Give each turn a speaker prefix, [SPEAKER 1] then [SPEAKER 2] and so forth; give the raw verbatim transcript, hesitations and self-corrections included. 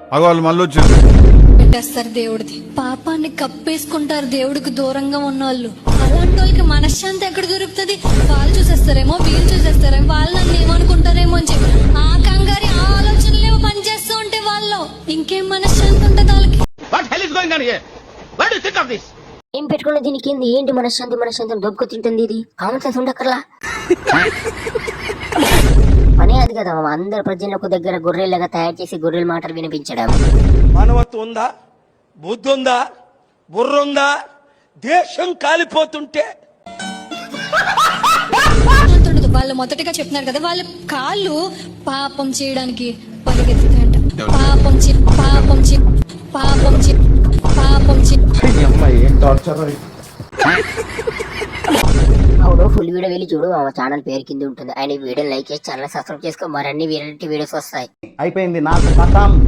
[SPEAKER 1] వాళ్ళు మళ్ళీ వచ్చారు
[SPEAKER 2] పెట్టేస్తారు దేవుడిది. పాపాన్ని కప్పేసుకుంటారు దేవుడికి దూరంగా ఉన్న వాళ్ళు. అలాంటి వాళ్ళకి మనశ్శాంతి ఎక్కడ దొరుకుతుంది? వాళ్ళు చూసేస్తారేమో, వీళ్ళు చూసేస్తారేమో, వాళ్ళు నన్ను ఏమనుకుంటారేమో అని చెప్పి ఆ కంగారి ఆ ఆలోచనలేమో పనిచేస్తూ ఉంటే వాళ్ళు ఇంకేం మనశ్శాంతి ఉంటుంది వాళ్ళకి.
[SPEAKER 3] ఏం పెట్టుకున్న దీనికి ఏంది? ఏంటి మనశ్శాంతి మనశ్శాంతి దొబ్బకు తింటుంది ఇది? కామన్ సెన్స్ ఉండక్కర్లా. పనే అది కదా అందరు ప్రజలకు దగ్గర గొర్రెలుగా తయారు చేసి గొర్రెల మాటలు వినిపించడం.
[SPEAKER 4] మానవత్వం ఉందా? బుద్ధి ఉందా? బుర్ర ఉందా? దేశం కాలిపోతుంటే
[SPEAKER 2] వాళ్ళు మొదటగా చెప్తున్నారు కదా, వాళ్ళ కాళ్ళు పాపం చేయడానికి పరిగెత్తుతాయంట. పాపం చే పాపం చే పాపం చే పాపం చే
[SPEAKER 3] అవును, ఫుల్ వీడియో వెళ్ళి చూడు, మా ఛానల్ పేరు కింద ఉంటుంది. ఆయన వీడియో లైక్ చేసి ఛానల్ సబ్స్క్రైబ్ చేసుకో, మరిన్ని వీడియోస్ వస్తాయి.
[SPEAKER 5] అయిపోయింది నాకు